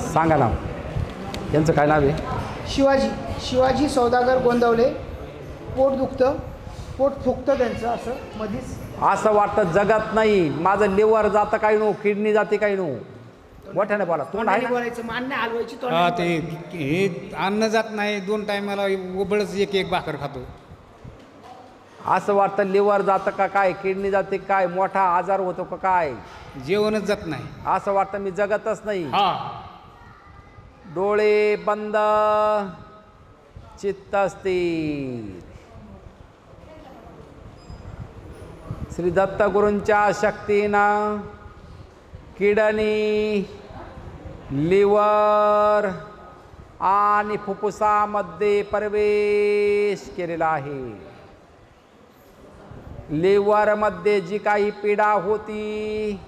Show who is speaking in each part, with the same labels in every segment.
Speaker 1: सांगा नाव. यांचं काय नाव आहे?
Speaker 2: शिवाजी सौदागर गोंदवले. पोट दुखतं, पोट फुगतं त्यांचं असं मधीच.
Speaker 1: असं वाटतं जगत नाही, माझं लिव्हर जातं काही नो, किडनी जाते काही नो. मोठ्याने बोला, तोंड आहे ना?
Speaker 2: बोलायचं, मान नाही हलवायची.
Speaker 3: हा ते हे अन्न जात नाही, 2 टायमाला उबळच एक भाकर खातो.
Speaker 1: असं वाटतं लिव्हर जातं का काय, किडनी जाते काय, मोठा आजार होतो का काय,
Speaker 3: जेवणच जात नाही.
Speaker 1: असं वाटतं मी जगतच नाही.
Speaker 3: हा
Speaker 1: डोळे बंद, चित्त स्थिर. श्री दत्तगुरूंच्या शक्तीनं किडनी, लिव्हर आणि फुफ्फुसामध्ये प्रवेश केलेला आहे. लिव्हरमध्ये जी काही पीडा होती,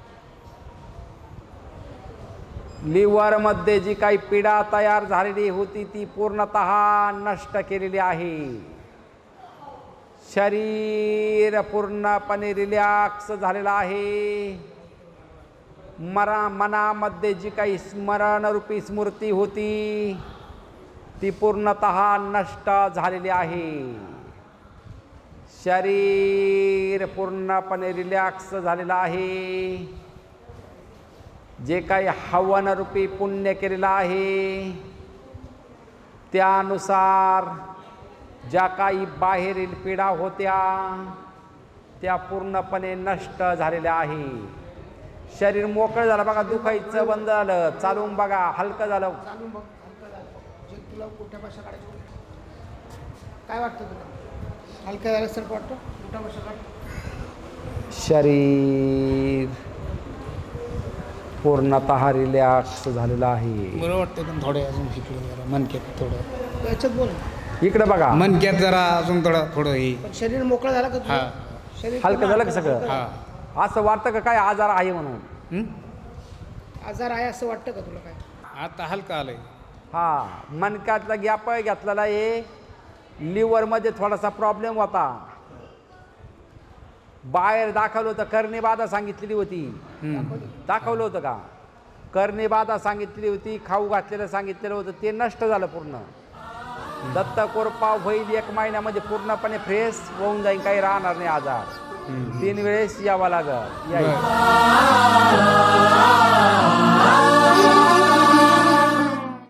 Speaker 1: लिव्हरमध्ये जी काही पीडा तयार झालेली होती ती पूर्णतः नष्ट केलेली आहे. शरीर पूर्णपणे रिलॅक्स झालेलं आहे. मनामध्ये जी काही स्मरणरूपी स्मृती होती ती पूर्णतः नष्ट झालेली आहे. शरीर पूर्णपणे रिलॅक्स झालेलं आहे. जे काही हवनरूपी पुण्य केलेलं आहे त्यानुसार ज्या काही बाहेरील पीडा होत्या त्या पूर्णपणे नष्ट झालेल्या आहे. शरीर मोकळं झालं बघा, दुखायचं बंद झालं, चालून बघा हलकं झालं.
Speaker 2: चालून बघ, हलकं झालं. जे तुला कुठ्या भाषा काढायची काय वाटतं तुला? हलकं झालं सर वाटतं कुठ्या भाषा काढ.
Speaker 1: शरीर पूर्णतः रिलॅक्स झालेलं आहे.
Speaker 3: बरं वाटतं पण थोडे अजून शिकलो जरा मनक्यात थोडं.
Speaker 2: याच्यात बोल.
Speaker 1: इकडे बघा,
Speaker 3: मनक्यात जरा अजून थोडं हे.
Speaker 2: पण शरीर मोकळं झालं का
Speaker 3: हा
Speaker 2: तुझं? शरीर
Speaker 1: हलकं झालं का
Speaker 2: हलकं
Speaker 1: सगळं?
Speaker 3: हा
Speaker 1: असं वाटतं का काय आजार आहे म्हणून?
Speaker 3: हं?
Speaker 2: आजार आहे असं वाटतं का तुला काय?
Speaker 3: आता हलकं आलंय.
Speaker 1: हा, मनक्यातला गॅप घेतलेला आहे. लिव्हरमध्ये थोडासा प्रॉब्लेम होता, बाहेर दाखवलं होतं, कर्णिबाधा सांगितलेली होती. दाखवलं होतं का? कर्णिबाधा सांगितलेली होती, खाऊ घातलेलं सांगितलेलं होतं, ते नष्ट झालं पूर्ण. दत्त कोरपा होईल 1 महिन्यामध्ये पूर्णपणे फ्रेश होऊन जाईल, काही राहणार नाही आजार. 3 वेळेस यावं लागल.